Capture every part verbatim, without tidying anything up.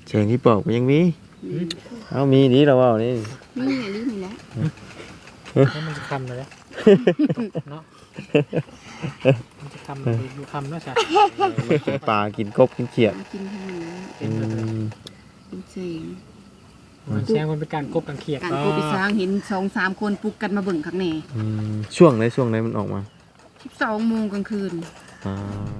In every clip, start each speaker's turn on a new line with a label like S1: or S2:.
S1: เสียงที่ปอกยังมีเอามีดีเราเอานี่
S2: มีไงลิ้นนี่แหละ
S3: มันจะคำเลยเนาะมันจะคำอยู่คำเนาะจ้ะ
S1: กินปลากินกบกินเขียด
S2: กินทั้งนี้
S1: อืม
S2: กินเสียง
S3: มันแซงมันเป็นการกบกันเขียด
S2: การกบอีสางเห็นสองสามคนปลุกกันมาเบิ่งข้างใน
S1: ช่วงไหนช่วงไหนมันออกมา
S2: สิบสองโมงกลางคืน
S1: อ่า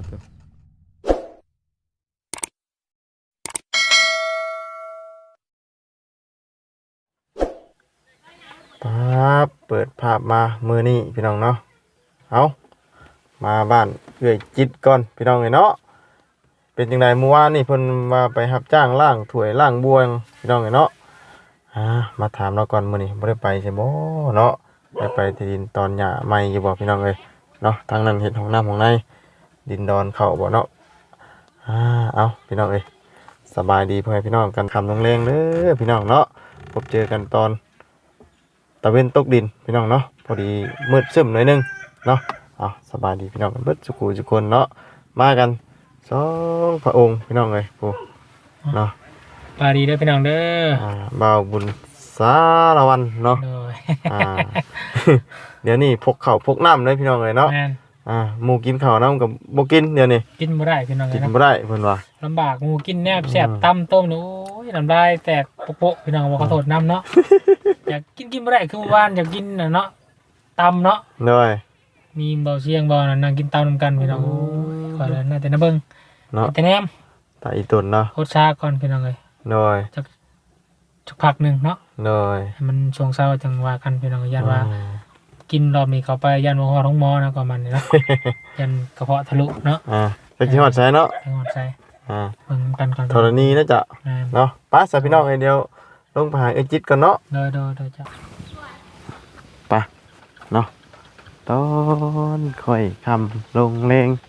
S1: ปั๊บเปิดภาพมามือนี่พี่น้องเนาะเอามาบ้านเอื้อยจิตก่อนพี่น้องเลยเนาะเป็นจังไดเมื่อวานนี่เพิ่นมาไปรับจ้างล่างถ้วยล่างบวงพี่น้องเลยเนาะอ่ามาถามเราก่อนมื้อนี้บ่ได้ไปใช่บ่เนาะได้ไปที่ดินตอนหญ้าใหม่อยู่บ่พี่น้องเอ้ยเนาะทางนั้นเฮ็ดห้องน้ำห้องในดินดอนเข้าบ่เนาะอ่าเอาพี่น้องเอ้ยสบายดีพ่อแม่พี่น้องกันคำลงแรงเด้อพี่น้องเนาะพบเจอกันตอนตะเวนตกดินพี่น้องเนาะพอดีมืดซึมหน่อยนึงเนาะเอาสบายดีพี่น้องกันเบิดสุขุทุกคนเนาะมากันสองพระองค์พี่น้องเลยปูเนาะ
S3: ปาดีเด้อพี่น้องเด้อ
S1: อ่าบ่าวบุญสารวันเนาะอ่าเดี๋ยวนี้พกข้าวพกน้ำเลยพี่น้องเลยเนาะอ่าหมูกินข้าวน้ำกับบ่กินเดี๋ยวนี้
S3: กินบ่ได้พี่น้องเลย
S1: กินบ่ได้เพิ่นว่า
S3: ลำบากหมูกินแนบแซ่บตำต้มโอ้ยน้ำลายแตกโป๊ะพี่น้องบอกขอโทษน้ำเนาะอยากกินกินบ่ได้คือวานอยากกินน่ะเนาะตำเนาะ
S1: เลย
S3: มีเบาเชียงเบานั่งกินตำนำกันพี่น้องขอเลยน่าแต่น้าเบิ้ง
S1: เนาะ
S3: แต่แนม
S1: ตาอีตุนเนาะ
S3: โคตรชาก่อนพี่น้องเลย
S1: เลย
S3: จักจักพักหนึ่งเนาะ
S1: เลย
S3: มันช่วงเช้าจังว่ากันพี่น้องยันว่ากินรอบนี้เขาไปยันหัวหอท้องมอนะก่อนมันเนาะยันกระเพาะทะลุเนาะ
S1: อ่าไปกินหอดใส่เนาะ
S3: หอดใส่
S1: อ่า
S3: เบิ่งกันก่อน
S1: ธรณีนะจ๊ะเนาะป้าสาวพี่น้องไอเดียวลงไปหาไอจิตกันเนาะ
S3: โดยโดยโดยจ้ะ
S1: ไปเนาะตอนค่อยคำลงเลง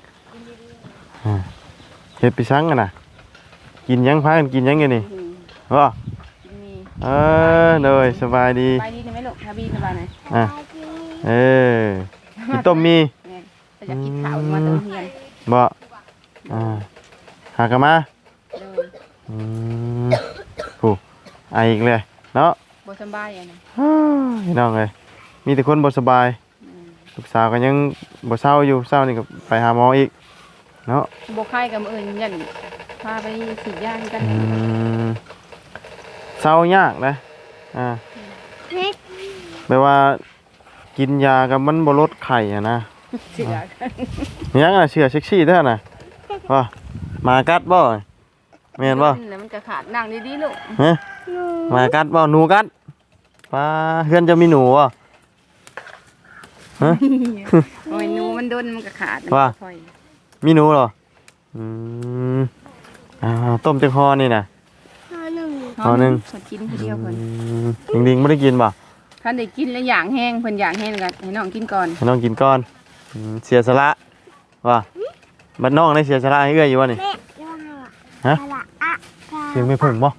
S1: เฮ็ดไปซังกันนะกินยังพากันกินยังไงนี่ว่าเออเลยสบายดี
S2: สบายดีใช่ไหมลูกทบีสบายไหม
S1: อ่ะเออกินต้มมี
S2: จะกินข้าวมาเติมเฮียน
S1: บ่อ่าหากมาอืมผู้ไออีกเลยเนาะ
S2: บ่สบายอ่ะนะ
S1: พี่น้องเลยมีแต่คนบ่สบายลูกสาวก็ยังบ่เศร้าอยู่เศร้านี่ก็ไปหาหมออีกเนาะ
S2: บ่ไข้กับเอิ้นยันพาไปฉีดยากัน
S1: อืมเศร้ายากนะอ่าแปลว่ากินยากับมันบ่ลดไข้อ่ะนะ
S2: เชื่อ
S1: ยังน่ะเชื่อเซ็กซี่แท้น่ะว่ามากัดบ่แม่นบ่
S2: มันจะขาดนั่งดีๆลูก
S1: ฮะมากัดบ่หนูกัดป้าเฮือนจะมีหนูอ่ะฮะ
S2: โอ้ยหนูมันโดนมันก็ขาด
S1: ว่ามีหนูเหรออืมอ่าต้มจังฮอนี่น่ะ
S2: ฮอนึง
S1: ฮอนึง
S2: เพิ่นกินทีเดียวเพิ่น
S1: จริงๆบ่ได้กินบ่
S2: ท่านได้กินแล้วอย่างแห้งเพิ่นอย่างแห้งก็ให้น้องกินก่อน
S1: ให้น้องกินก่อนเสียสละว่าบัดน้องได้เสียสละให้เอื้อยอยู่บ่นี่ฮะเสียงไม่เพิ่งบ่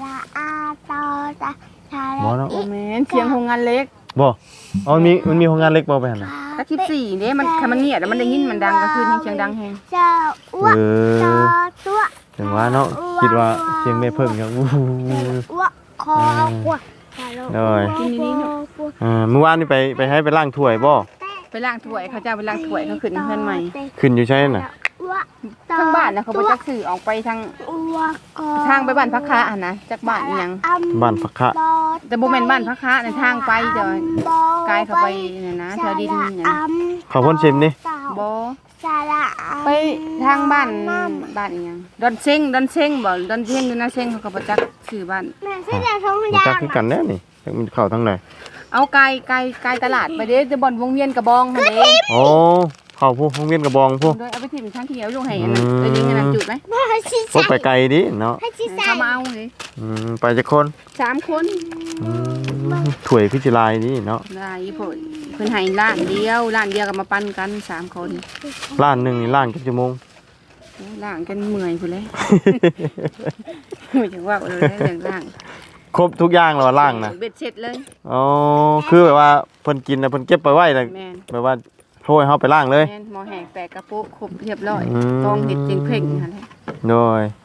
S1: บ่เนาะ
S2: โอ้แม่นเสียงโรงงานเล็ก
S1: บ่อ๋อมีมันมีโรงงานเล็กบ่ไปหั่นน่ะ
S2: ตะสิบสี่เด้มันคันมันเงียบแล้วมันได้ยินมันดังก็คือเสียงดังแฮง
S1: เออจังว่าเนาะคิดว่าเสียงไม่เพิ่งจังอู้
S4: คอกว่า
S1: เลยอ่าเมื่อวานนี่ไปไปให้ไปล้างถ้วยบ่
S2: ไปล้างถ้วยเขาจะไปล้างถ้วยเขาขึ้นเพื่อนใหม่
S1: ขึ้นอยู่ใช่น่ะ
S2: ทางบ้านนะเขาไปจักสื่อออกไปทางทางไปบ้านพักค้าอ่ะนะจากบ้านยัง
S1: บ้านพักค้า
S2: แต่โบแมนบ้านพักค้าในทางไปเดี๋ยวกายเขาไปเนี่ยนะแถวดินเนี่ย
S1: เขาพ่นชิมนี่
S2: โบไปทางบ้านบ้านยังดอนเซ็งดอนเซ็งบ่ดอนเซ็งอยู่นะเซ็งเขาก็ไปจักสื่อบ้าน
S1: จักคือกันแน่นี่มันเข้าทางไหน
S2: เอาไกลไกลไกลตลาดไปเด้จะบ่อนวงเวียนกระบองหั่นเด้
S1: โอ้เข้าพวกวงเวียนกระบองพวก
S2: โดยเอาไปถิ่มทางเขียวลงให้อันนั้นไปยิงอันนั้นจุดมั้ย
S1: พวกไปไกลดิเนาะ
S2: เขามาเอาเลย
S1: อืมไปจักคน
S2: สามคน
S1: อืมถ้วยพิจิลายนี่เนาะ
S2: ได้พุ่นเพิ่นให้ร้านเดียวร้านเดียวก็มาปั่นกันสามคน
S1: ร้านนึงนี่ล้างกี่ชั่วโมง
S2: ล้างกันเมื่อยพุ่นเลยไม่จังว่าเลยเรื่องล้าง
S1: ครบทุกอย่างแล้วล้างนะ
S2: เบ็ดเสร็จเลย
S1: อ๋อคือแบบว่าเพิ่นกินน่ะเพิ่นเก็บไปไว้น่ะแบบว่าโทยเฮาไปล้างเลย
S2: แม่นหม้อแห้งแปะกระปุกครบเรียบร้อยต้องเฮ็ดจริงเพ่งหั่นแหละ
S1: โดยอ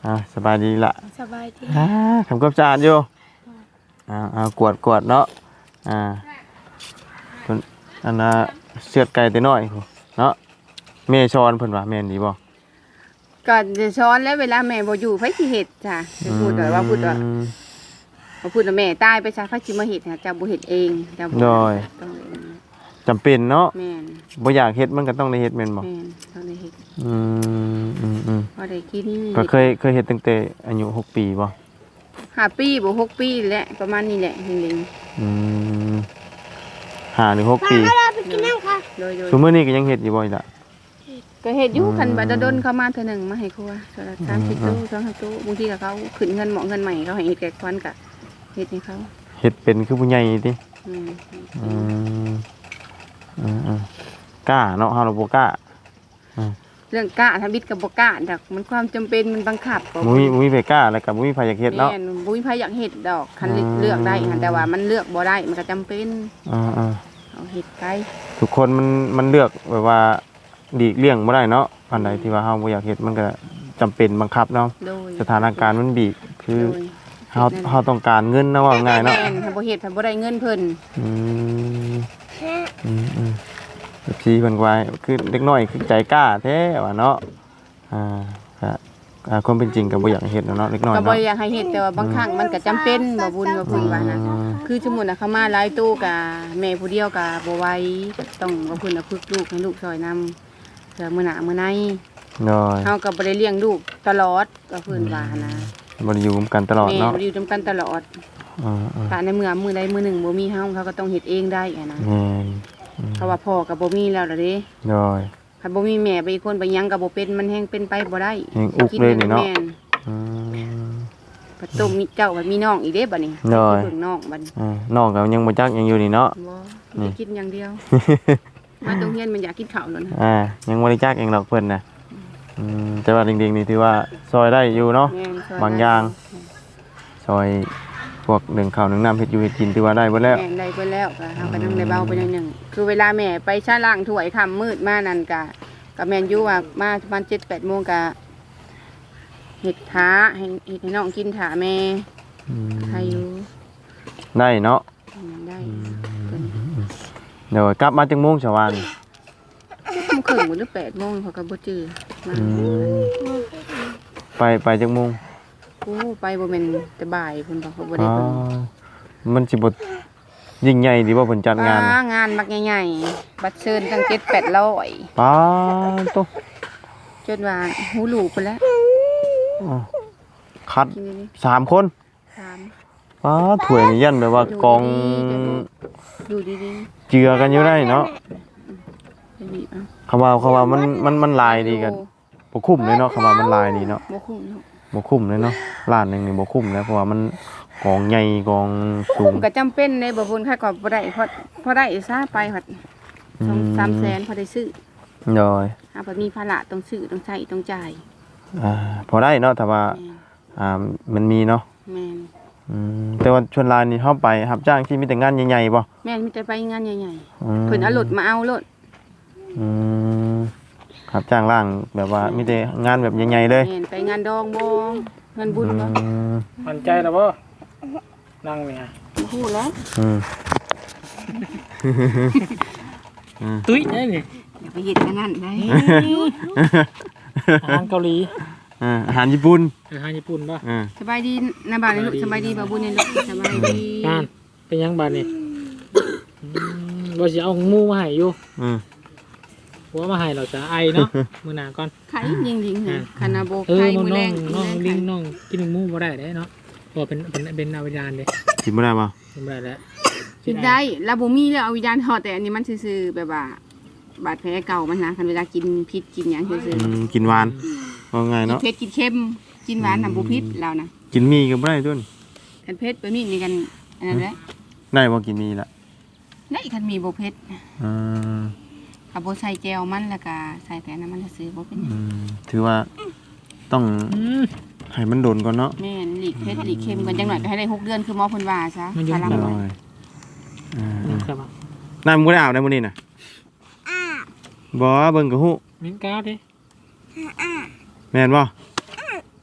S1: อ่าสบายดีละ
S4: สบายดี
S1: อ่าทำความสะอาดอยู่อ่าอ่ากวดกวดเนาะอ่าเพิ่นอันน่ะเสือดไก่ตัวน้อยพู้นเนาะแม่ชอนเพิ่นว่าแม่นดีบ่
S2: ก็จะช้อนแล้วเวลาแม่บ่อยู่ไผสิเฮ็ดจ้ะจะพูดว่าว่าพูดว่า
S1: อืม
S2: ว่าพูดว่าแม่ตายไปซะไผสิมาเฮ็ดให้เจ้าบ่เฮ็ดเองเจ้าบ่
S1: โดย
S2: ต้องเอง
S1: จำเป็นเนาะ
S2: แม่น
S1: บ่อยากเฮ็ดมันก็ต้องได้เฮ็ดแม่นบ่
S2: แม่นต้องได้เฮ็ด
S1: อืมอืมอืม
S2: พอได้กิน
S1: ก็เคยเคยเฮ็ดตั้งแต่อายุหกปีบ่
S2: ห้าปีบ่หกปีแหละประมาณนี้แหละเฮง
S1: อืมห้าหรือหกปี
S4: เราไปกินน้ำค่ะ
S2: ๆโดยโดย
S1: ซุมื้อนี้ก็ยังเฮ็ดอยู่บ่อีกล่ะ
S2: ก็เฮ็ดอยู่
S1: อืม
S2: คันบัดดลเข้ามาเทื่อหนึงมาให้ครัวเทื่อละสามสิบตู้สองสิบตู้บางทีก็เขาขึ้นเงินเหมาะเงินใหม่เขาให้เฮ็ดแก่ควันก็เฮ็ดให้เขา
S1: เฮ็ดเป็นคือผู้ใหญ่ติ
S2: อืม
S1: อืมอืมอืมกล้าเนาะเฮาเราบ่กล้า
S2: เรื่องกล้าทำบิดกับบ่กล้าดอกมันความจำเป็นมันบังคับก็
S1: บ่มีบ่มีไผกล้าแล้วก็บ่มีไผอยากเฮ็ดเนาะ
S2: แม่นบ่มีไผอยากเฮ็ดดอกคัน
S1: อืม
S2: เลือกได้หันแต่ว่ามันเลือกบ่ได้มันก็จำเป็น
S1: อ่า
S2: เอาเฮ็ดไกล
S1: ๆทุกคนมันมันเลือกแบบว่าดีกเลี่ยงบ่ได้เนาะอันใดที่ว่าเฮาบ่อยากเฮ็ดมันก็จำเป็นบังคับเนาะ
S2: โดย
S1: สถานการณ์มันบีบคือ
S2: โดย
S1: เฮาเฮาต้องการเงินนะว่าง่ายเนาะ
S2: แม่นถ้าบ่เฮ็ดถ้าบ่ได้เงินเพิ่น
S1: อืมอืมอืมพี่เพิ่นว่าคือเด็กน้อยคือใจกล้าแท้ว่าเนาะอ่าก็อ่าความเป็นจริงก็บ่อยากให้เฮ็ดเนาะเด็กน้อย
S2: ก็บ่
S1: เนาะ
S2: อยากให้เฮ็ดแต่ว่าบางครั้งมันก็จำเป็นบ่บุญบ่บุญว่านะ
S1: อืม
S2: คือสมมุติน่ะเขามาหลายตู้ก็แม่ผู้เดียวก็บ่ไหวก็ต้องบ่เพิ่นน่ะฝึกลูกให้ลูกช่วยนำเพื่อมื้อหน้ามื้อใน
S1: น้อย
S2: เฮาก็บ่ได้เลี้ยงลูกตลอดก็เพิ่นว่านะ
S1: บ่ได้อยู่ร่วมกันตลอด
S2: แม่
S1: เนาะ
S2: บ่ได้อยู่นํกันตลอด
S1: อืมอืม
S2: ถ้าในเมื่อมื้อใดมื้อหนึ่งบ่มีเฮาเขาก็ต้องเฮ็ดเองได้อะนะ
S1: แม่น
S2: เพราะว่าพ่อก็บ่มีแล้วล่ะเด้
S1: น้อย
S2: ถ้าบ่มีแม่ไปอีกคนไปหยังก็บ่เป็นมันแฮงเป็นไปบ่ได้
S1: แฮงอุกเลยนี่เนาะ
S2: แม่
S1: อืม
S2: ปัดต้มมีเจ้าบัดมีน้องอีกเด้บัดนี้
S1: น้อย
S2: เพิ่งน้องบัดนี้
S1: อ่าน้องก็ยังบ่จักยังอยู่นี่เนาะ
S2: บ่
S1: นี่
S2: มีกินอย่างเดียว มาโรงเรียนมันอยากกินข้าวแล้วนะ
S1: อ่ายังบ่ได้จักเองหรอกเพิ่นน่ะอืมแต่ว่าเด็กๆนี่ถือว่าซอยได้อยู่เนาะ
S2: แม่นช่ว
S1: บางอย่าง ซอยพวกหนึ่งข้าวหนึ่งน้ำเฮ็ดอยู่เฮ็ดกินถือว่าได้เบิดแล้ว
S2: แม่นได้ไปแล้วก็เฮาก็นั่งได้เบาไปหน่อยหนึงคือเวลาแม่ไปชาล้างถ้วยค่ำมืดมานั่นก็ก็แม่นอยู่ว่ามาประมาณ เจ็ดแปดโมงก็เฮ็ดท้าให้เฮ็ดให้น้องกินท้าแม่
S1: อืม
S2: ใครอยู่
S1: ได้เนาะ
S2: อืมได้
S1: เดี๋ยวกลับมาจังโมงชาววาน
S2: ทุ่มครึ่งหรือแปดโมงเขาก็บ่จื้อมา
S1: อืมไปไปจังโมง
S2: โอ้ไปบ่แม่นแต่บ่ายเพิ่นบอกเขาบ่
S1: อ๋
S2: ได้
S1: อ
S2: เพิ่น
S1: มันสิบ่ยิ่งใหญ่ดีบ่เพิ่นจัดงาน
S2: อ่
S1: น่ะ
S2: งานมักใหญ่ๆบัตรเชิญตั้งเจ็ดแปดร้อย
S1: ป๊าโต
S2: จนว่าหูหลูกไปแล้ว
S1: อ๋อคัด
S2: กินนี่
S1: สามคน
S2: สาม
S1: ป๊าถ้วยนี่ยันแบบว่ากอง
S2: อยู่ดี
S1: เจือกันอยู่ได้เนาะ
S2: ๆไปบีบเอา
S1: คำว่าคำว่ามันมันมันลายดีกันบ่คุ้มเลยเนาะคำว่ามันลายดีเนาะ
S2: บ่คุ้มเนาะ
S1: บ่คุ้มเลยเนาะร้านหนึงนี่บ่คุ้มนะเพราะว่ามันกองใหญ่กองสู
S2: คุ้
S1: ง
S2: มก็จำเป็นในบ่บุญค่าก็บ่ได้เพราะเพราะได้ซาไปฮอด
S1: อื
S2: สอง
S1: ม
S2: สามแสนพอได้ซื้อ
S1: โดย
S2: หาบ่มีภาระต้องซื้อต้องใช้ต้องจ่าย
S1: อ่าพอได้เนาะแต่ว่า
S2: แม่น
S1: อ่ามันมีเนาะ
S2: แม่น
S1: อืมแต่ว่าชวนลานนี่เฮาไปรับจ้างที่มีแต่งานใหญ่ๆบ่
S2: แม่นมีแต่ไปงานใหญ่
S1: อืม
S2: ๆเพิ่นเอารถมาเอารถ
S1: อืมรับจ้างล่างแบบว่ามีแต่งานแบบใหญ่ๆเลย
S2: แม่นไปงานดองบ่งานบุญบ่
S1: อืม
S3: มั่นใจแล้วบ่นั่งเนี่ย
S2: บ่ฮู้แล้ว
S1: อืม
S3: ตุ้ยนี่นี่
S2: อย่าไปเฮ็ดกันนั่นได้
S3: อาหารเกาหลี
S1: อ่าอาหารญี่ปุ่น
S3: อาหารญี่ปุ่นป่ะ
S1: อ่า
S2: สบายดีนะบ่าวนี่ลูกสบายดีบ่าวบุญนี่ลูกสบายดี
S3: งานเป็นยังบาดนี่อืมว่าสิเอาหมูมาให้อยู่
S1: อืม
S3: หัวมาให้เราจะไอเนาะ มื้อหน้าก่อน
S2: ไข่ยิงๆค่ะคานาโบ
S3: เออ
S2: ไข่
S3: น้อง
S2: มื้อ
S3: น้
S2: แร
S3: อง
S2: ง
S3: น้อง
S2: มื้อแร
S3: ลิง
S2: ไข่
S3: น้องกินหมูบ่ได้เด้เนาะเพราะเป็นเป็นเป็นอาวิญญาณเด้
S1: กินบ่ได้บ่
S3: กินบ่ได้แล้ว
S2: กินได้แล้วบ่มีแล้วเอาวิญญาณทอดแต่อันนี้มันซื่อๆแบบว่าบาดแผลเก่ามันนะคันเวลากินพิษกินหยังซื่อ
S1: อืมกินหวานว่าไง
S2: ๆกิน
S1: เนาะ
S2: เผ็ดกินเค็มกินหวานน่ะบ่พิษแล้วนะ
S1: กินมีก็บ่ได้ต้น
S2: คันเผ็ดไปมีนี่กันอันนั้นแหละ
S1: ได้บ่กินมีละ
S2: ได้คันมีบ่เผ็ด
S1: อืม
S2: ก็บ่ใส่แจ่วมันแล้วก็ใส่แต่น้ำมันซื่อๆบ่เป็นหยัง
S1: อืมถือว่าต้อง
S3: อืม
S1: ให้มันโดนก่อนเนาะ
S2: แม่นหลีกเผ็ดหลีกเค็มกันจังหน่อยก็ให้ได้หกเดือนคือหมอเพิ่นว่าซะ
S3: มันอยู่
S2: พาลัง
S1: ได้
S2: ไว้
S1: อ่า
S3: นี่ครับ
S1: น้ำมึงบ่ได้อาบได้มื้อนี้น่ะบ่เบิ่งกะฮู้
S3: มิ้นก้าวดิ
S1: แม่นบ่ฮ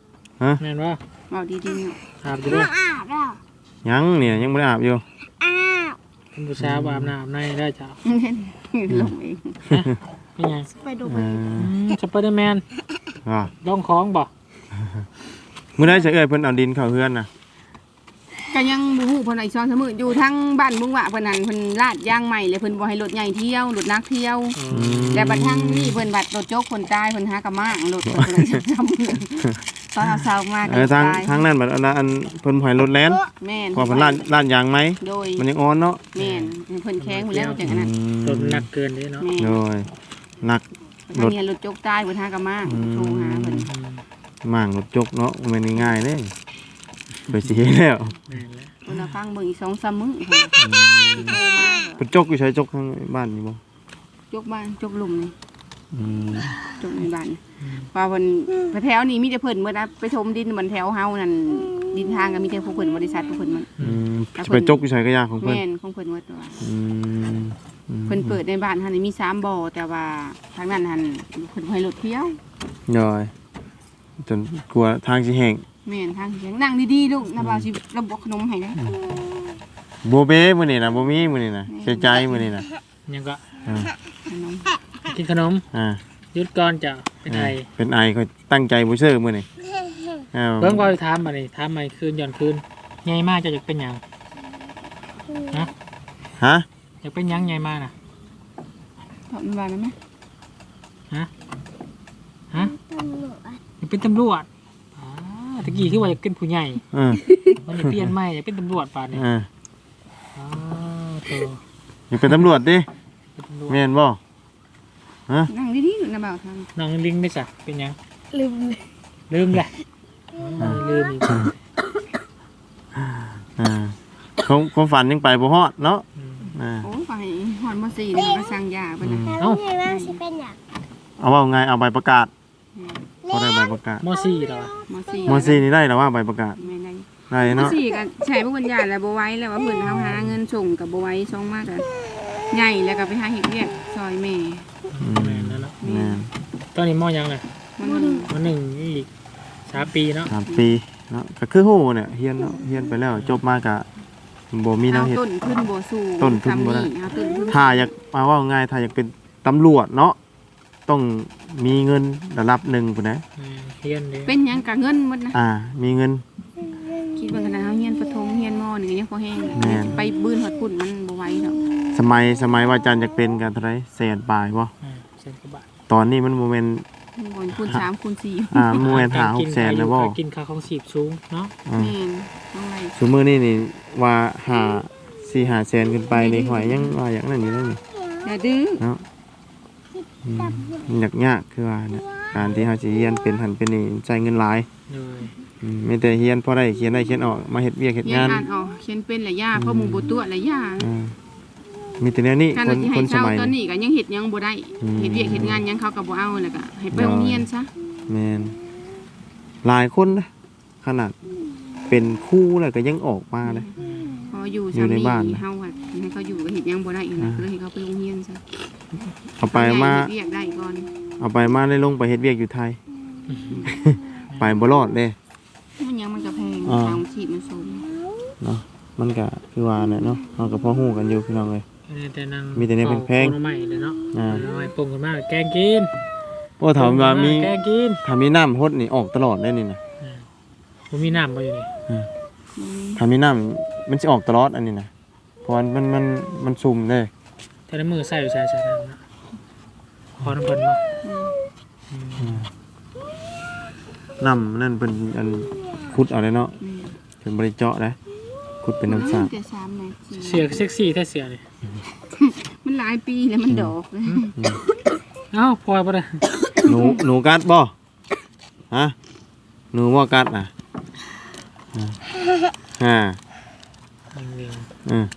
S1: ฮะ
S3: แม่นว่า
S2: เอาดีๆเนาะ
S3: อาบอยู่
S4: น้
S3: ด้
S4: อ
S3: วย
S4: งอาบแล้ว
S1: ยังเนี่ยยังบ่ได้อาบอยู่
S4: อาบ
S3: เป็นผู้สาวอาบน้ำอาบในได้จ้ะ
S2: ลงเอง
S3: เป็นไง
S4: ไปดู
S1: เอ
S4: ไป
S1: อ
S3: อืมสไปเดอร์แมน
S1: อ่า
S3: ลองของบ่
S1: มื้อใดสิเอ้ยเพิ่นเอาดินเข้าเฮือนน่ะ
S2: ก็ยังบ่ฮู้เพิ่นไอ้ซ้อนเสมออยู่ทั้งบ้านบุงหวะเพิ่นนั่นเพิ่นลาดยางใหม่เลยเพิ่นบ่ให้รถใหญ่เที่ยวรถนักเที่ยว
S3: อื
S1: อื
S3: ม
S1: ม
S2: แต่บัดทั้งนี่เพิ่นบัดรถโจ๊กคนตายเพิ่นหากะมางรถเพิ่นเลยจำเมืองตอนเอาเช้ามาก
S1: เออทางทางนั้นบัดอันนั้นอันเพิ่นบ่ให้รถแล่น
S2: แม่น
S1: เพราะเพิ่นลาดลาดยางไหม
S2: โดย
S1: มันยังอ่อนเนาะ
S2: แม่นเพิ่นแข้งหมดแล้วจังอันนั้น
S3: รถมันหนักเกินเลยเนาะ
S2: แม่
S1: โดยหนัก
S2: ทางนี้รถโจ๊กตายเพิ่นหากะมางโทรหาเพิ่น
S3: อืม
S1: มางรถจกเนาะมันไม่ง่ายเด้ไปสิเฮ็ดแล้ว
S3: แม่นแล้ว
S2: เพิ่นเอาฟังเบิ่งอีกสองสามมื้อเพิ่นสิโทรมา
S1: เพิ่นจกอยู่ใช้จกทางบ้านนี่บ่
S2: จกบ้านจกหลุมนี่
S1: อืม
S2: จกในบ้านว่าเพิ่นแถวนี้มีแต่เพิ่นเมื่อนะไปชมดินบนแถวเฮานั่นดินทางก็มีแต่พวกเพิ่นบริษัทพวกเพิ่นมัน
S1: อืมสิไปจกอยู่ใช้ก็ยากของเพิ่น
S2: แม่นของเพิ่นหมดว่า
S1: อืมอืม
S2: เพิ่นเปิดในบ้านหั่นนี่มีสามบ่อแต่ว่าทางนั้นหั่นเพิ่นบ่ให้รถเที่ยว
S1: ย่อยจนกลัวทางสิแห้ง
S2: แม่นทางเสียงนั่งดีๆลูกน้าบ่าวสิระบบขนมให้ได้
S1: บ่เบ้มื้อนี้น่ะบ่มีมื้อนี้น่ะเสียใจมื้อนี้น่ะ
S3: ยังก็
S1: อ่า
S2: ขนม
S3: กินขนม
S1: อ่า
S3: หยุดก่อนจ้ะเป็นไง
S1: เป็นไอเขาตั้งใจบ่ซื้อมื้อนี้อ้าว
S3: เบิ่งว่าถามมานี่ถามใหม่คืนย้อนคืนใหญ่มากจะอยากเป็นหยังฮะ
S1: ฮะ
S3: อยากเป็นหยังใหญ่มากน่ะ
S2: ถอดมันว่าได้ไหม
S3: ฮะฮะ
S4: ตำรวจ
S3: อยากเป็นตำรวจอ่าตะกี้คือว่าอยากเป็นผู้ใหญ่
S1: เออ
S3: มันจะเปลี่ยนใหม่อยากเป็นตำรวจป่านนี้
S1: เออ
S3: อ๋อโต
S1: อย่าเป็นตำรวจดิ
S3: เป็นตำรวจ
S1: แม่นบ่ฮะ
S2: นั่งดีๆลูกน้าบ่าวทำ
S3: น้องลิงไม่จ้ะเป็นหยัง
S4: ลืมเลย
S3: ลืมแหละอ๋อลืมอีก
S1: อ่าความความฝันยังไปบ่ฮอดเนาะ
S3: อืม
S1: อ่า
S2: โอ้ไปฮอดมสี่นี่ก็สั่งยาเพิ่นน่ะ
S4: แล้วนี่ว่าสิเป็นอย่าง
S1: เอาว่าไงเอาใบประกาศพอได้ใบประกาศ
S3: มสี่เหรอ
S2: มสี่
S1: มสี่นี่ได้แล้วว่าใบประกาศ
S2: แม่ได้
S1: ได้
S2: ม
S1: เนาะ
S2: สี่ก็ใช้พวกปัญญาแล้วบ่ไหว้แล้วว่าเพิ่นเฮาหาเงินส่งก็บ่ไหว้ส่งมากก็ใหญ่แล้วก็ไปหาเฮ็ดเวียกซอยแม่
S1: อืม
S3: แม่นแล้วเนาะ
S1: แม่น
S3: ตอนนี้มอยังเลย
S2: มันบ่
S3: มหนึ่งอีกสามปีเนาะ
S1: สามปีเนาะก็คือฮู้เนี่ยเฮียนเนาะเฮียนไปแล้วจบมากะบ่มีแน
S2: เอา
S1: วเฮ็ด
S2: ต้นทุนบ่สู้
S1: ต้นทุนบ่ได้
S2: ทำเอาต้นทุน
S1: ถ้าอยากมาว่าง่ายถ้าอยากเป็นตำรวจเนาะต้องมีเงินระดับหนึ่งพุ่นนะ
S3: แม่นเฮียนเลย
S2: เป็นหยังกะเงินหมดนะ
S1: อ่า มีเงิน
S2: คิดว่าขนาดเฮาเรียนประถมเรียนมหนึ่งก็ยังพอแห้ง
S1: แม่น
S2: ไปบื้นฮอดพุ่นมันบ่ไหวดอก
S1: สมัยสมัยว่าอาจารย์อยากเป็นกันเท่าไหร่แสนปลายบ่
S3: อ่าเซนกว่าบาท
S1: ตอนนี้มันบ่แม่น
S2: บ่นคูณสามคูณสี่
S1: อ่าบ่แม่นหาหกแสนแล้วบ่
S3: การกินข้าวของสีบสูงเนาะ
S1: อ่า
S2: แม่นต้องไร
S1: ซุมื้อนี้นี่ว่าหาสี่ห้าแสนขึ้นไปนี่หอยยังว่าอย่างนั้นอยู่เลยนี่
S2: อย่าดื้อ
S1: เนาะอืมมันยากยากคือว่าเนี่ยการที่เขาสิเรียนเป็นหันเป็นนี่ใช้เงินหลาย
S3: เลย
S1: อืมมีแต่เรียนพอได้เขียนได้เขียนออกมาเฮ็ดเวียกเฮ็ด
S2: เรียน
S1: งาน
S2: อ่านออกเขียนเป็นหลายอย่างเพราะหมู่บ่ตัวหลายอย่าง
S1: อ่ามีแต่แนวนี้
S2: การ
S1: ค
S2: เรา
S1: น
S2: สิ
S1: ค
S2: ให้
S1: นส
S2: เช่า
S1: มัย
S2: ตอน
S1: นี้
S2: นี้ก็ยังเฮ็ดหยังบ่ได้
S1: อืม
S2: เฮ็ดเวียกเฮ็ดงานหยังเขาก็บ่เอาแล้วก็ให้ไปโรงเรียนซะ
S1: แม่นหลายคนนะขนาดเป็นครูแล้วก็ยังออกมาเลย
S2: พออยู่
S1: อยู่
S2: ซำ
S1: ใน
S2: นี้
S1: บ้าน
S2: เฮาอะให้เขาอยู่ก็เฮ็ดหยังบ่ได้อีกนะก็เลยให้เขาไปโรงเรียนซะ
S1: เอาไปมา
S2: เฮ็ดเวียกได้ก่อน
S1: เอาไปมาได้ลงไปเฮ็ดเวียกอยู่ไทย ไปบ่รอดเด้
S2: มันยังมันก็แพง
S1: อ่า
S2: ทางฉีดมันสูง
S1: เนาะมันก็คือว่าเนี่ยเนาะเฮาก็พอฮู้กันอยู่พี่น้องเอ้ย
S3: แต่นาง
S1: มีแต่เนี่ยแพงๆ
S3: ปรุใหม่เลยเนาะ
S1: อ่า
S3: เอาไว้ปรุงกันมากแกงกิน
S1: โอ้ถามว่ามี
S3: แกงกิน
S1: ถ้ามีน้ำฮดนี่ออกตลอดได้นี่นะ
S3: ผมมีน้ำมาอยู่นี่
S1: ถ้ามีน้ำมันสิออกตลอดอันนี้นะเพราะว่ามันมันมันซุ่มเด้
S3: แต่ละมือใส่อยู่ใส่ใส่น้ำนะพอน้ำเพิ่นมา
S1: น้ำนั่นเป็นอันขุดเอาเลยเนาะ
S2: อืม
S1: เป็นบริเจาะนะขุดเป็นน้ำสาบ
S2: แต่สามแม่สี่
S3: เสียเซ็กซี่แท้เสียเลย
S2: มันหลายปีแล้วมันดอกเลย
S3: เอ้าพลอยปะเนี่ย
S1: หนูหนูกัดบ่ฮะหนูบ่กัดน่ะอ่าอืม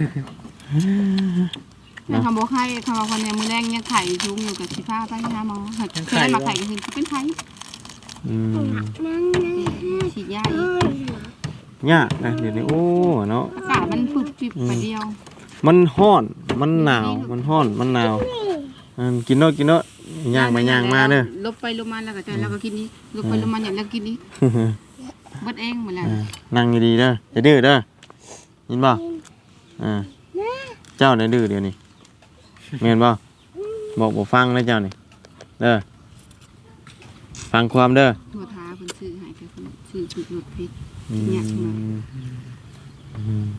S2: แต่คำบอกไข่คำบอกคนเนี่ยมือแรงยังไข่ชุ่มอยู่กับชีฟ้าไปหาหมอเคยมาไข่ก็คือเป็นไข่
S1: อืม
S4: นั่งนั่ง
S2: ฉีดยาอีก
S1: ยากนะเดี๋ยวนี้โอ้เนาะ
S2: อากาศมันฝึกฟิบไปเดียว
S1: มันฮ้อนมันหนาวมันฮ้อนมันหนาวอันกินเนาะกินเนาะย่างไปย่างมาเด้อ
S2: ลบไปลบมาแล้วก็จะแล้วก็กินนี้ลบไปลบมาอย่างแล้วกินนี้เบิดเองหมดแล้ว
S1: อ่านั่งดีๆเด้ออย่าดื้อเด้อยินบ่อ่าเจ้าเนี่ยดื้อเดี๋ยวนี้แม่นบ่บอกบ่ฟังนะเจ้านี่เด้อฟังความเด้อ
S2: โทรท้าเพิ่นซื้อให้แต่เพิ่นซื้อถูกรถพิษ
S1: อืม
S2: เนี่ยมา
S1: อืม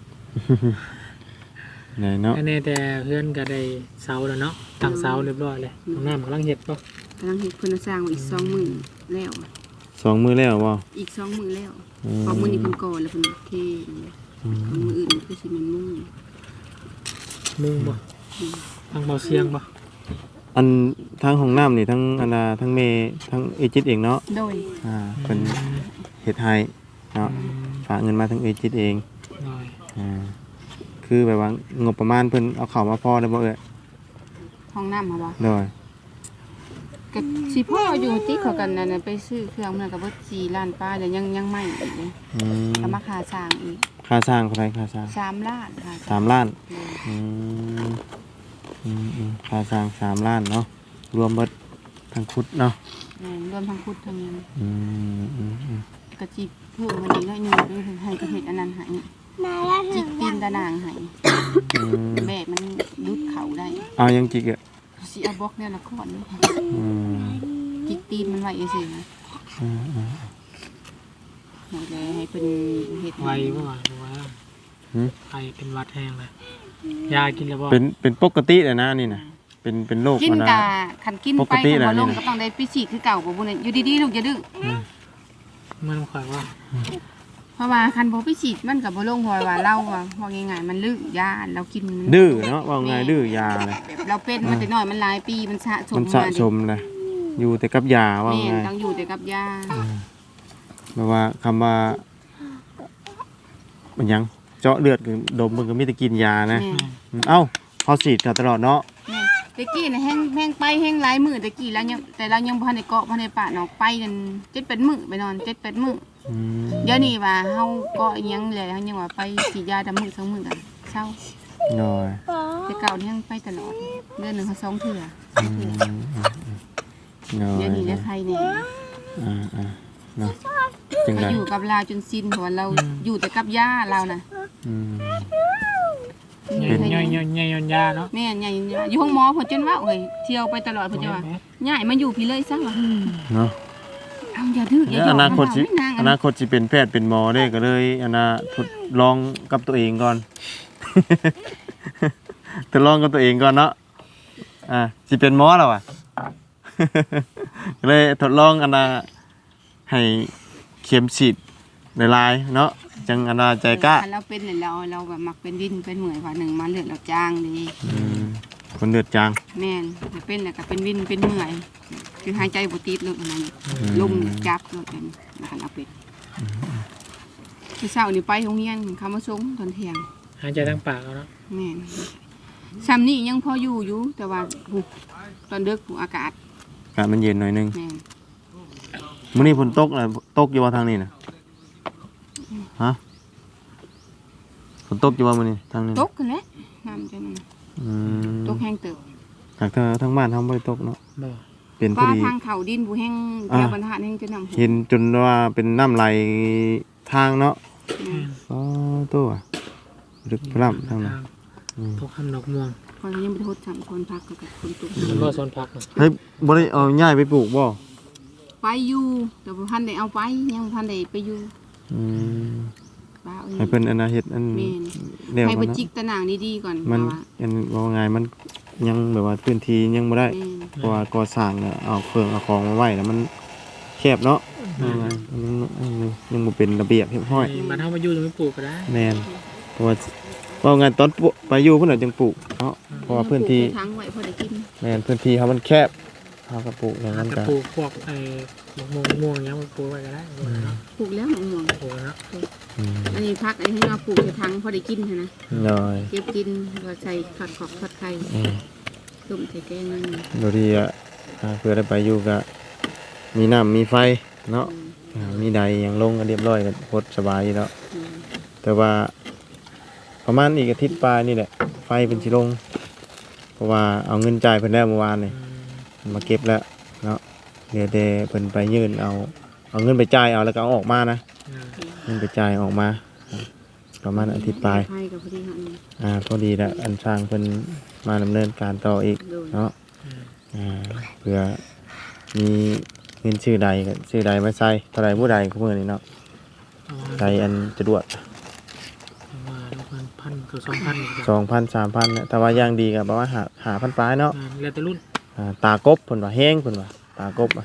S1: ไหนเนาะ
S3: อันนี้แต่เพื่อนก็ได้เสาแล้วเนาะตั้งเสาเรียบร้อยเลยห้องน้ำกำลังเฮ็ดป่ะ
S2: กำลังเฮ็ดเพิ่นสร้างไว้อีกสองมื้อแล้ว
S1: สองมือแล้วบ่
S2: อีกสองมื้อแล้ว
S1: อืม
S2: พอมื้อนี้เพิ่นก่อแล้วเพิ่นเทมื้ออื่นคือสิแม่นมื้อ
S3: มุงป่ะทางเบาเสียงป่ะ
S1: อันทั้งห้องน้ำนี่ทั้งอันนาทั้งเมทั้งเอจิตเองเนาะ
S2: โดย
S1: อ่าเป็นเฮ็ดให้เนาะฝากเงินมาทั้งเอจิตเอง
S3: หน่อย
S1: อ่าคือแบบว่างบประมาณเพิ่นเอาเข้ามาพอได้บ่เอ่ย
S2: ห้องน้ำมาบ่
S1: โดย
S2: ก็สิพ่ออยู่ที่เขากันนั่นน่ะไปซื้อเครื่องมันก็เบิดสี่ล้านป้าแล้วยังยังไม่อีกเลย
S1: อืม
S2: ก็มาค่าสร้างอีก
S1: ค่าสร้างเท่าไหร่ค่าสร้าง
S2: สามล้านค่ะ
S1: สามล้าน
S2: โดย
S1: อืมอืมอืมค่าสร้างสามล้านเนาะรวมเบิดทั้งคุดเนาะ
S2: แม่นรวมทั้งพุทธทั้งยัง
S1: อืมอืมอืม
S2: กะจิเพิ่มวันนี้น้อยหนึงด้วยให้กระเฮ็ดอันนั้นให้
S4: มาแล้ว
S2: จิกตีนตะนางให้
S1: อืม
S2: แบบมันยุดเขาได้
S1: เอายังจิกอ่ะ
S2: สิเอาบล็อกแนวละก้อนนี่
S1: อืม
S2: จิกตีนมันไว้ซื่อๆนะ
S1: อืมอืม
S2: ให้เลยให้เป็นเฮ็ด
S3: ไวป่ะวะหรือว่า
S1: หืม
S3: ไอเป็นหวัดแห้งเลยยากินแล้วป่ะ
S1: เป็นเป็นปกติเลยนะนี่นะเป็นเป็นโรค
S2: กิน
S1: อัน
S2: กะ
S1: นะ
S2: คันกิน
S1: ป
S2: ไป
S1: กติ
S2: ก็
S1: น่ะ
S2: บ่ลง
S1: นี่
S2: ก็ต้องได้ไปฉีดคือเก่าบ่บุญอยู่ดีๆลูกอย่าดื้อ
S3: มันต้องคอยว่า
S2: เพราะว่าคันบ่ไปฉีดมันก็บ่ลงเพราะว่าเราอะว่าง่ายๆมันลึกยาเรากินมัน
S1: ดื้อเนาะว่าไงดื้อยาเลย
S2: แบบเราเป็นมาแต่น้อยมันหลายปีมันสะสม
S1: มันสะสมเลยอยู่แต่กับยาว่า
S2: แม่
S1: ไง
S2: นต้องอยู่แต่กับยา
S1: แบบว่าคำว่ามันหยังเจาะเลือดคือดมมันก็มีแต่กินยานะ
S2: แม่น
S1: เอ้าเขาฉีดกันตลอดเนาะ
S2: แม่นตะกี้น่ะแห้งแห้งไปแห้งหลายมื้อตะกี้แล้วยังแต่เรายังบ่ทันได้เกาะบ่ทันได้ปะเนาะไปกันเจ็ดแปดมื้อไปนอนเจ็ดแปดมื้อ
S1: อืม
S2: เดี๋ยวนี้ว่าเฮาเกาะอิหยังแล้วเฮายังว่าไปฉีดยาดำมื้อสองมื้อกันเศร้า
S1: หน่อย
S2: แต่เก่านี่ยังไปตลอดเดือนหนึงเขาสองเทื่อ
S1: อืมอืมอืมหน่อย
S2: เดี๋ยวนี้ได้ใครแน่
S1: อ่าอ่าเนาะจัง
S2: ก็
S1: ได
S2: อยู่กับเราจนสิ้นเพราะว่าเราอยู่แต่กับยาเราน่ะ
S1: อืม
S3: ย่อยย่อยย่อยย่อยย่อยยาเนาะ
S2: แม่นใหญ่อยู่ห้องหมอเพิ่นจนว่าเอ้ยเที่ยวไปตลอดเพิ่นจะว่าย้ายมาอยู่พี่เลยซะว่า
S1: เนาะ
S2: เอาอย่าดื้ออย่า
S1: แล้ว
S2: หย
S1: อ
S2: อก
S1: นาคตสิ
S2: มันเฒ่าไม่นาง
S1: อ
S2: อัน
S1: นา
S2: นั้น
S1: คตสิเป็นแพทย์เป็นหมอได้ก็เลยอนาทดลองกับตัวเองก่อน ทดลองกับตัวเองก่อนเนาะอ่าสิเป็นหมอแล้วอ่ะ ก็เลยทดลองอันน่ะให้เข็มฉีดหลายๆเนาะจังอันน่ะใจกล้า
S2: คันเราเป็นเนี่ยเราเราแบบมักเป็นดินเป็นเหมือยว่าหนึ่งมาเลือดเราจางดี
S1: อืมคนเลือดจาง
S2: แม่นถ้าเป็นแล้วก็เป็นวินเป็นเหมื่อยคือหายใจบ่ติดเลยอันนั้น
S1: อืม
S2: ลมจับเลยเป็นคันเราเป็นคือเช้านี่ไปโรงเรียนคำว่าสงตอนเที่ยง
S3: หายใจทางปากเอาเนาะ
S2: แม่นซ้ำนี่ยังพออยู่อยู่แต่ว่าหูตอนดึกหูอากาศ
S1: อากาศมันเย็นหน่อยนึง
S2: แม่น
S1: มื้อนี้ฝนตกน่ะตกอยู่ว่าทางนี้น่ะฮะฝนตกอยู่ว่ามื้อนี้ทางนี้
S2: ตกกันแหละน้ำจะนั่น
S1: อืม
S2: ตกแห้งเติบ
S1: จากทางทางบ้านเฮาบ่ได้ตกเนาะ
S3: บ่
S1: เป็นพอ
S2: ป้า
S1: ดี
S2: ทางเขาดินบูแห้ง
S1: อ่า
S2: แถวบรรทัดแห้งจะนำ
S1: เห็นจนว่าเป็นน้ำไหลทางเนาะ
S2: แม่น
S1: อ๋อตัวลึกพร่ำทางนั้นอืม
S3: ทุกคำดอกม่วง
S2: พอเรายังไม่ได้ทดสั่งคนพักกับคนตุก
S3: มันบ่สนพักเนาะ
S1: เฮ้ยบ่ได้เอาย้ายไปปลูกบ่
S2: ไปอยู่แต่บ่ทันได้เอาไปยังบ่ทันได้ไปอยู่
S1: อืม
S2: ป้าเอ้ย
S1: ให้เพิ่นอันน่ะเฮ็ดอัน
S2: แม่น
S1: เดียว
S2: ให้
S1: กั
S2: ไป
S1: นเนาะ
S2: จิกตะนางดีๆก่อน
S1: มัน
S2: ว่า
S1: อันว่าไงมันยังแบบว่าพื้นที่ยังบ่ได้
S2: แม่น
S1: เพราะว่าก่อสร้างเนี่ยเอาเครื่องเอาของมาไว้แล้วมันแคบเนาะว่าไงมันยังยังบ่เป็นระเบียบเรียบร้อย
S3: มันเฮามาอยู่จะไม่ปลูกก็ได้
S1: แม่นเพราะว่าว่าไงตอนปลูกไปอยู่เพิ่นน่ะจึงปลูกเนาะเพราะว่าพื้นที่
S2: ปลูกไปทั้งไว้พอได้กิน
S1: แม่นพื้นที่เขามันแคบเขาก็ปลูกอย่างนั้น
S3: จะ
S1: กัน
S3: ปลูกพวกไอ้ดอกม่วงม่วงอย่างเงี้ยมันปลูกไว้ก็ได้เนาะ
S2: ปลูกแล้วมะม่วง
S3: ปลูกเนาะ
S1: อืม
S2: อันนี้พักอันนี้ให้เราปลูกในทั้งพอได้กินหั้นนะ
S1: หน่อย
S2: เก็บกินก็ใส่ขัดขอบขัดไข่
S1: อืม
S2: ต้มใส่แกงนั่น
S1: โดยที่อ่ะอ่าเพื่อได้ไปอยู่ก็มีน้ำมีไฟเนาะอ่ามีใดอย่างลงก็เรียบร้อยก็พดสบายอยู่แล้ว
S2: อืม
S1: แต่ว่าประมาณอีกอาทิตย์ปลายนี่แหละไฟเป็นสิลง เพราะว่าเอาเงินจ่ายเพิ่นแล้วเมื่อวานนี่
S3: อืม
S1: มาเก็บแล้วเนาะเดี๋ยวเดเพิ่นไปยื่นเอาเอาเงินไปจ่ายเอาแล้วก็เอาออกมานะ
S3: อืม
S1: เงินไปจ่ายออกมาประมาณอาทิตย์ปลาย
S2: ไพ่กับพอดีเฮานี่
S1: อ่าพอดีแล้วอันช่างเพิ่นมาดำเนินการต่ออีก
S2: โดย
S1: เนาะ
S3: อืม
S1: อ่าเพื่อมีเงินชื่อใดก็ชื่อใดมาใส่เท่าไรผู้ใดก็มื้อนี้เนาะ
S3: เอา
S1: ใดอันสะดวก
S3: เอามาประมาณพันถึงสองพัน
S1: สองพันสามพันเนี่ยแต่ว่าอย่างดีก็ประมาณหาหาพันปลายเนาะ
S3: แล้วแต่รุ่น
S1: อ่าตากบเพิ่นว่าแห้งเพิ่นว่าตากบอ่ะ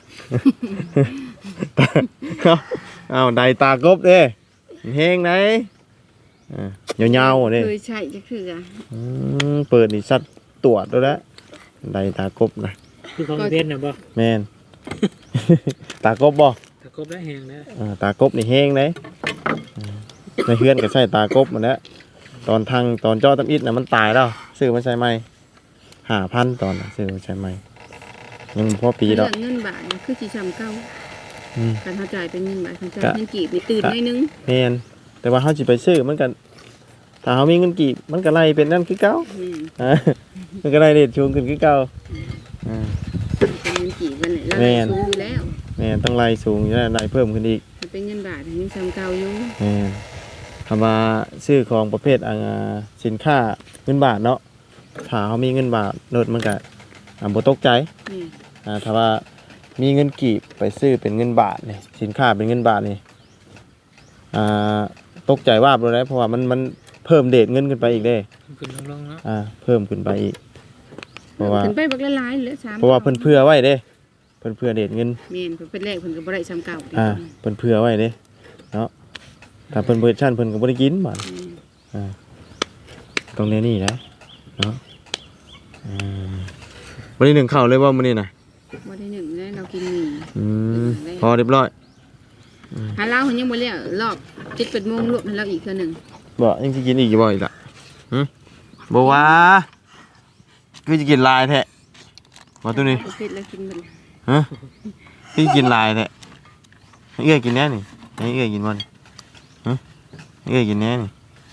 S1: เอาเอาใดตากบเด้แห้งไหนอ่ายาวๆเด้
S2: เคยใช้จักเทื่อ
S1: อืมเปิดนี่สัตว์ตรวจด้วยแล้วใดตากบนะ
S3: คือของเพชรน่ะบ่
S1: แม่น ตากบบ่
S3: ตะกบได้แหงนะ
S1: อ่าตากบนี่แห้งไหนอ่าในเฮือนก็ใช้ตากบหมดแล้วตอนทางตอนเจาะตำอิดน่ะมันตายแล้วซื้อมาใช้ใหม่ห้าพันตอนน่ะซื้อมาใช้ใหม่ยังบ่พอปีดอก
S2: เงินบาทนี่คือสิซ้ำเก่า
S1: อืม
S2: การเขาจ่ายเป็นเงินบาทเขาจ่าย
S1: กะ
S2: เงินกีบนี่ตื่นหน่อยนึง
S1: แม่นแต่ว่าเฮาสิไปซื้อมันก็ถ้าเฮามีเงินกีบมันก็ไล่เป็นนั่นคือเก่า
S2: อืม
S1: อ่ามันก็ไล่เรทชูงขึ้นคือเก่าอ่า
S2: เป็นเงินกีบกันแหละแล้ว
S1: แม่น
S2: สูงอยู่แล้ว
S1: แม่นต้องไล่สูงอยู่แล้วไล่เพิ่มขึ้นอีก
S2: ถ้าเป็นเงินบาทยังซ้ำเก่าอยู่
S1: แม่นคำว่าซื้อของประเภทอ่าสินค้าเงินบาทเนาะถ้าเขามีเงินบาทโนดมันก็อ่าบ่ตกใจ
S2: นี่
S1: อ่าถ้าว่ามีเงินกีบไปซื้อเป็นเงินบาทนี่สินค้าเป็นเงินบาทนี่อ่าตกใจว่าบเลยนะเพราะว่ามันมันเพิ่มเดทเงินขึ้นไปอีกเด้
S3: ขึ้นลงๆเนาะ
S1: อ่าเพิ่มขึ้นไปอีก เพราะว่า
S2: ขึ้นไปบักละลายเหลือสาม
S1: เพราะว่าเพิ่นเผื่อไว้เด้เพิ่นเผื่อเดทเงิน
S2: แม่นเพิ่นเป็นแรกเพิ่นก็บ่ได้ซ้ำเก่าเด้
S1: อ่าเพิ่นเผื่อไว้เด้เนาะถ้าเพิ่นเบิดชั่นเพิ่นก็บ่ได้กินบาด
S2: อืม
S1: อ่าตรงนี้นี่นะเนาะอ่าวันนี้หนึ่งข้าวเลยว่ามื้อนี้น่ะ
S2: บ่ได้หนึ่งแล้วเรากินหมี่
S1: อืมพอเรียบร้อย
S2: หาเหล้าเพิ่นยังบ่แล้วรอบเจ็ดแปดโมงรวบให้เราอีกเทื่อหนึง
S1: บ่ยังสิกินอีกอยู่บ่อีกล่ะหึบ่ว่าคือจะกินหลายแท้บ่ตัวนี้
S2: ประเภทแล้วกินเบิด
S1: ฮะคือกินหลายแท้ให้เอื้อยกินแน่นี่ให้เอื้อยกินบ่นี่ฮะให้เอื้อยกินแน่นี่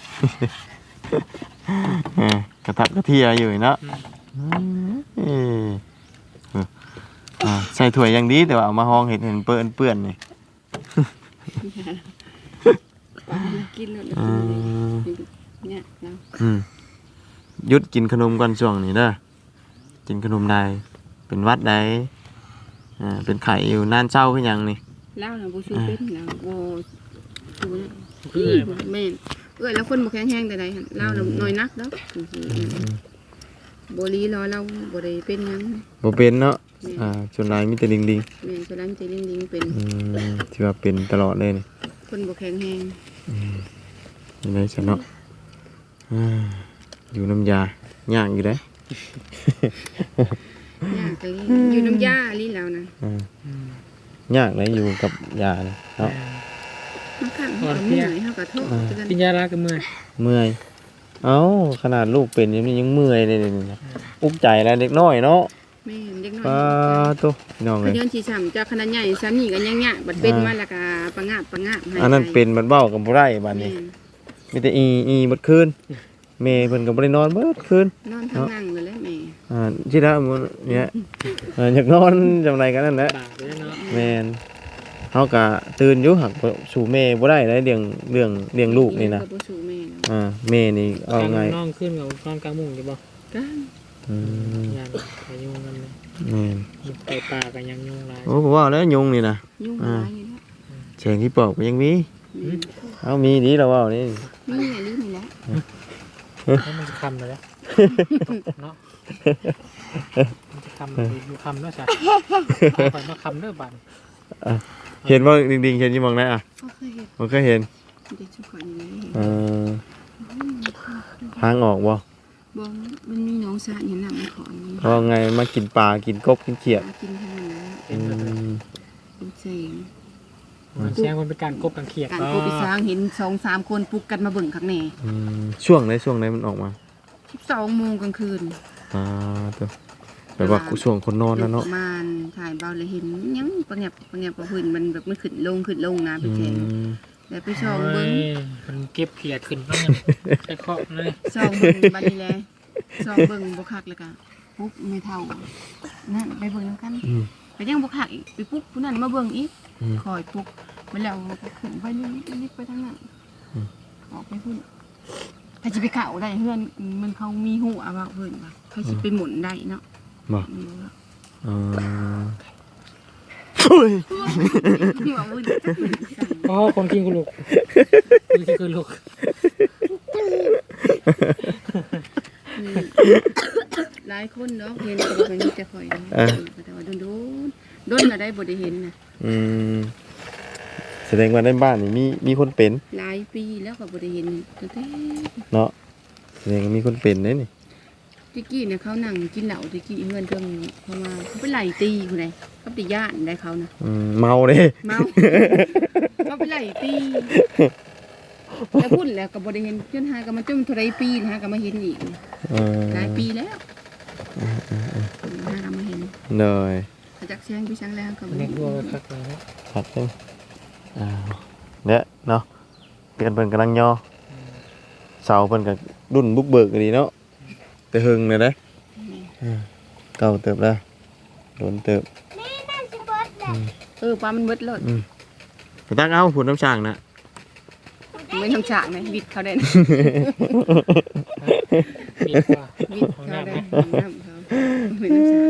S1: เออกระทับกระเทียอยู่เนาะเอออ่าใส่ถ้วยอย่างดีแต่ว่าเอามาห้องเห็นเห็นเปื้อนเปื้อนนี่
S2: กินแล้ว
S1: อืม
S2: เนี่ยเรา
S1: อืมหยุดกินขนมก่อนช่วงนี้เด้อกินขนมใดเป็นหวัดใดอ่าเป็นไข่อยู่นานเช้าคือหยังนี่
S2: เหล้าน่ะบ่ชูเป็นแล้วบ่ชูนะ
S3: คือ
S2: แม่นเอ้ยแล้วคนบ่แข็งแรงแต่ใดหั่นเหล้าน่ะน้อยนักดอกบ่ลีรอเราบ่ได้เป็นหยัง
S1: บ่เป็นเนาะอ่าส่วนหลายมีแต่ลิงลิง
S2: แม่นฉะนั้นใจลิงๆเป็น
S1: อืมที่ว่าเป็นตลอดเลยนี่
S2: คนบ่แข็งแรง
S1: ยังไงซะเนาะอ่าอยู่น้ำยาย่างอยู่เด้
S2: ยากเลยอยู่น้ำยาลีแล้วนะ
S1: อ่าย่างเลยอยู่กับยาเนี่ยเนาะ
S2: มันคั่นเฮาก็เมื่อยเฮาก็ท้อคือกัน
S3: กินยาลากับมือ
S1: เมื่อยเอ้าขนาดลูกเป็นยังยังเมื่อยเลยนี่อุกใจแล้วเด็กน้อยเนาะ
S2: แม่นเด็กน้อย
S1: ปาตุ๊น้อง
S2: ข
S1: เลย
S2: ย้อนสิซ้ำจากขนาดใหญ่ซันนี่ก็ยังยะบัดเป็นมาแล้วก็ประงาบประงาบให้
S1: อันนั้นเป็นบัดเบ้ากับบ่ได้บัด
S2: แม่
S1: นี้
S2: น
S1: มีแต่อีอีเบิดคืนแม่เพิ่นก็บ่ได้นอนเบิดคืน
S2: นอนทางนั่งเลยแหละแม่
S1: อ่าที่ละมื้อเนี่ยเอออยากนอนจังไดกันนั่นแหละ
S3: บาปเลยเนาะ
S1: แม่นเฮาก็ตื่นอยู่หักสู่แม่บ่ได้เลยเรื่องเรื่องเลี้ยงลูกนี่นะ
S2: ก็บ่สู้แม่นะ
S1: อ่าแม่นี่เอาไง
S3: น้องขึ้นกับนอนกลางมุ้งอยู่บ่
S2: กัน
S1: อืม
S3: ยานไปยุงกันเลย
S1: แม่น
S3: ไปป่ากันยังยุงหลาย
S1: โอ้ผมว่าแล้วยุงนี่นะ
S2: ยุ่งหลายอยู่แล้ว
S1: แสงที่ปอกก็ยังมี
S2: อืม
S1: เอามีดีแล้วว่านี่
S2: นี่ไงนี่นี่แหละ
S3: แล้วมันจะคำเลยเนาะมันจะคำดูคำเนาะจ้ะไปมาคำเด้อบัน
S1: เห็นว่าดิ่งๆเห็นอยี่มองได้อ่ะ
S2: ก็เคยเห็น
S1: มันเคยเห็น
S2: เด็กชุกคนนี้
S1: เออทางออกบ่
S2: บอกมันมีน้องสะเห็นหนังมันขอนมัน
S1: เพราะไงมากินปลากินกบกินเขียด
S2: กินทั้งนั้น
S1: อืม
S2: เป็นเสง
S3: มันแซงมันเป็นการกบกันเขียด
S2: การโคไปสร้างเห็นสองสามคนปลุกกันมาเบิ่งข้างใน
S1: อืมช่วงไหนช่วงไหนมันออกมา
S2: สิบสองโมงกลางคืน
S1: อ่าตัวแบบว่าช่วงคนนอนนะเนาะ
S2: ประมาณถ่ายเบาเลยเห็นยังประเงียบประเงียบประพื้นมันแบบมันขึ้นลงขึ้นลงนะ
S1: อื
S2: พี่แจง
S1: ม
S2: แล้วไปช่องเบิ้ง
S3: มันเก็บเขียดขึ้นบ้างใช้เคาะเลย
S2: ช่องเบิ้งบัดนี้แหละช่องเบิ้งบ่คักเลยกะหปุ๊บไม่เท่านั่นไปเบิ่งนำกัน
S1: อืม
S2: ไปยังบ่คักอีกไปปุ๊บผู้นั้นมาเบิ่งอีก
S1: อืม
S2: คอยปุ๊บมาแล้วก็ขึ้นไปนี่นี่ไปทางนั้น
S1: อืม
S2: ออกไปพุ่นถ้าสิไปเข้าได้เฮือนมันเขามีหัวว่าเพิ่นว่าเขาสิไปหมุนได้เนาะ
S1: บ่
S2: อืม
S1: เออโอ้ย
S2: หัวมึน
S3: อ๋อคนกินกูลูกคนกินกูลูก
S2: หลายคนเนาะเห็นก็บ่มีแต่ข่อยเนาะแต่ว่าโดนโดนโดนก็ได้บ่ได้เห็นน่ะ
S1: อืมแสดงว่าในบ้านนี่มีมีคนเป็น
S2: หลายปีแล้วก็บ่ได้เห็นตั้งแต่
S1: เนาะแสดงว่ามีคนเป็นเด้นี่
S2: ตะกี้เนี่ยเขานั่งกินเหล้าตะกี้เฮือนเพิ่งเพราะว่าเขาไปไล่ตีผู้ใดเขาไปย่านได้เขานะ
S1: อืมเมาเด้
S2: เมา เขาไปไล่ตีแล้วพูดแล้วก็บ่ได้เห็นจนหากันมาจนเท่าไรปีนะฮะก็มาเห็นอีก
S1: เออ
S2: หลายปีแล้วหากันมาเห็น
S1: เลย
S2: เขาจักเสียงพี่ช่างแล้วก็บ่
S3: เด็
S2: เห็
S3: ก
S2: น
S3: วัวคักเลย
S1: ครับเพิ่นอ้าวเนี่ยเนาะเพื่อนเพิ่นกำลังย่อเสาเพิ่นก็ดุนบุกเบิกดีเนาะแต่หึงเลยเด้เออเก่าเติบแล้วโดนเติบ
S4: นี่น้ำสิเบิดเลย
S2: เออปลามันเบิดเลย
S1: อืมไปตั้งเอาผุนน้ำช่างนะ
S2: ไม่ทำฉากนะบิดเขาได้นะ
S3: มีกว่า
S2: บิดเขาได้น้ำเขาไม่ทำฉาก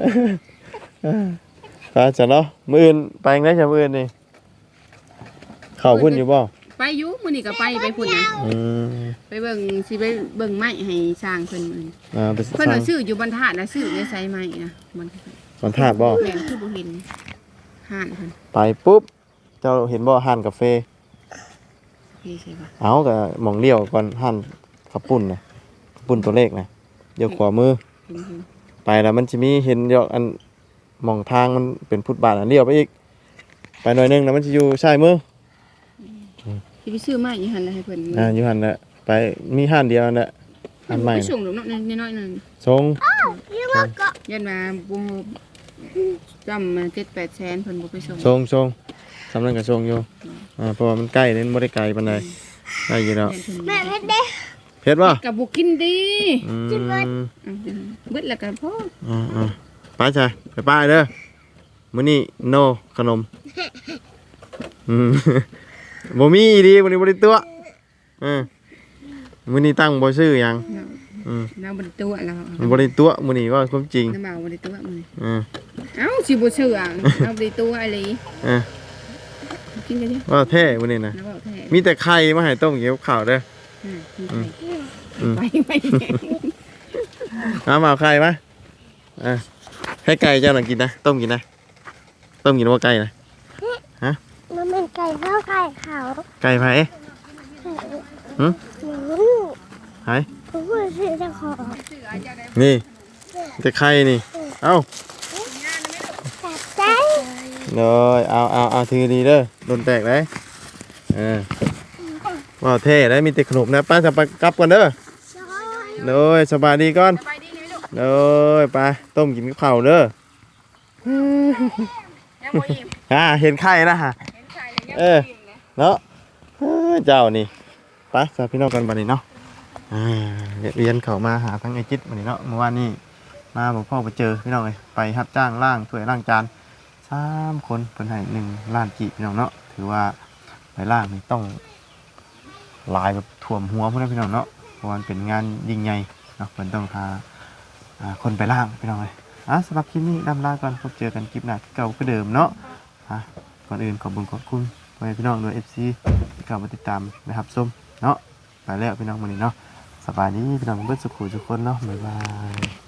S1: ไปจ้ะเนาะมื้ออื่นไปจั่งได้จ้ะมื้ออื่นนี่เข้าพุ่นอยู่บ่
S2: ไปอยู่มื้อนี้ก็ไปไปพุ่นนะ
S1: อืม
S2: ไปเบิ่งสิไปเบิ่งไม้ให้สร้างเพิ่นมื้อนี้
S1: อ่าไป
S2: เพิ่น
S1: สร้า
S2: ว่าง ซื้ออยู่บรรทัดนะซื้อในไซไม้นะมัน
S1: มันธาตุบ่
S2: แม่นคือบ่เห็นห่านเพิ่น
S1: ไปปุ๊บเจ้าเห็นบ่ห้านกาแฟ
S2: พี่ใช่ป่ะ
S1: เอาก็หม่องเลี้ยวก่อนห้านขับปุ่นน่ะขับปุ่นตัวเลขน่ะเดี๋ยวขวามือ
S2: เห็นเห็น
S1: ไปแล้วมันจะมีเห็นยอกอันหมองทางมันเป็นฟุตบาทอันเลี้ยวไปอีก ไปหน่อยหนึงแล้วมันจะอยู่ซ้ายมือ
S2: สิไปซื้อไม้อยู่หั่นแล้วให้เพิ่น
S1: อ่าอยู่หันแหละไปมีห้านเดียวนั่นแหละห้านใหม่
S2: ไป
S1: น่ะ
S2: ส่งดอกเนาะน้อยๆนั่น
S1: ทรง
S4: ยี่ว่าก็
S2: ยันมาบ่จำมาเจ็ดแปดแสนเพิ่นบ่ไปส่ง
S1: ทรงทรงสำนักกับทรงอยู่อ่าเพราะว่ามันใกล้เน้นบ่ได้ไกลปานใดได้อยู่แล้ว
S4: แม่เพชรเด้
S1: เผ็ดบ่
S2: ก็บ่กินดี
S1: อืม
S2: อ่ะเบิดแล้วก็พอ
S1: อ่าอ่าไปจ้ะไปป้ายเด้อมื้อนี้โนขนมอืม บ่มีอีดีมื้อนี้บ่ได้ตัวเออมื้อนี้ตั้งบ่ซื้อหยังอืม
S2: เราบ่ได้ตัวแล้ว
S1: มันบ่ได้ตัวมื้อนี้ว่าความจริง
S2: น้ำบ่าวบ่ได้ตัวมื้อนี้
S1: เออ
S2: เอ้าสิบ่เชื่อเราบ่ได้ตัวอะไร
S1: เออ
S2: กินกันดิ
S1: ว่าแท้มื้อนี้นะ
S2: แล้วบ่แท้
S1: มีแต่ไข่มาให้ต้มเกี่ยวข้าวเด้อ
S2: อืมไปไป
S1: เอามาเอาไข่มาอ่ะให้ไก่เจ้าหน่อยกินนะต้มกินนะต้มกินว่าไก่นะ
S4: มันเป็นไก่ข้าวไก่เขา
S1: ไก่ไผ
S4: หนู
S1: ไผ
S4: ผมพูดชื่อเจ้าของ
S1: นี่แต่ไข่นี่เอ้า
S4: จับใจ
S1: เลยเอาเอาเอาถือดีเด้อโดนแตกเลยเออว่าเท่ได้มีแต่ขนมนะป้าจะไปกลับก่อนเด้อเลยสบายดีก่อน
S2: ไปดีไหมลูก
S1: เลยไปต้มกินกับข้าวเด้อ
S2: ยังบ่อิ่ม
S1: อ่าเห็นไข่นะฮะ
S2: เห็นไข่แล้วยัง
S1: เออ เนาะเอ้ยเจ้านี่ไปสาพี่น้องกันบัดนี้เนาะอ่าเรียนเข้ามาหาทั้งไอจิตบัดนี้เนาะเมื่อวานนี้มาบอกพ่อไปเจอพี่น้องเลยไปรับจ้างล่างถ้วยล่างจานสามคนเพิ่นให้หนึ่งล้านกีบพี่น้องเนาะถือว่าไปล่างนี่ต้องหลายแบบท่วมหัวพุ่นนะพี่น้องเนาะเพราะว่ามันเป็นงานยิ่งใหญ่เนาะเพิ่นต้องพาอ่าคนไปล่างพี่น้องเลยอ่ะสำหรับคลิปนี้ดำลาก่อนพบเจอกันคลิปหน้าที่เก่าคือเดิมเนาะอ่ะก่อนอื่นขอบคุณขอบคุณพ่อแม่พี่น้องด้วย เอฟ ซี ที่เข้ามาติดตามนะครับส้มเนาะไปแล้วพี่น้องมื้อนี้เนาะสบายดีพี่น้องเบิดสุขุทุกคนเนาะบ๊ายบาย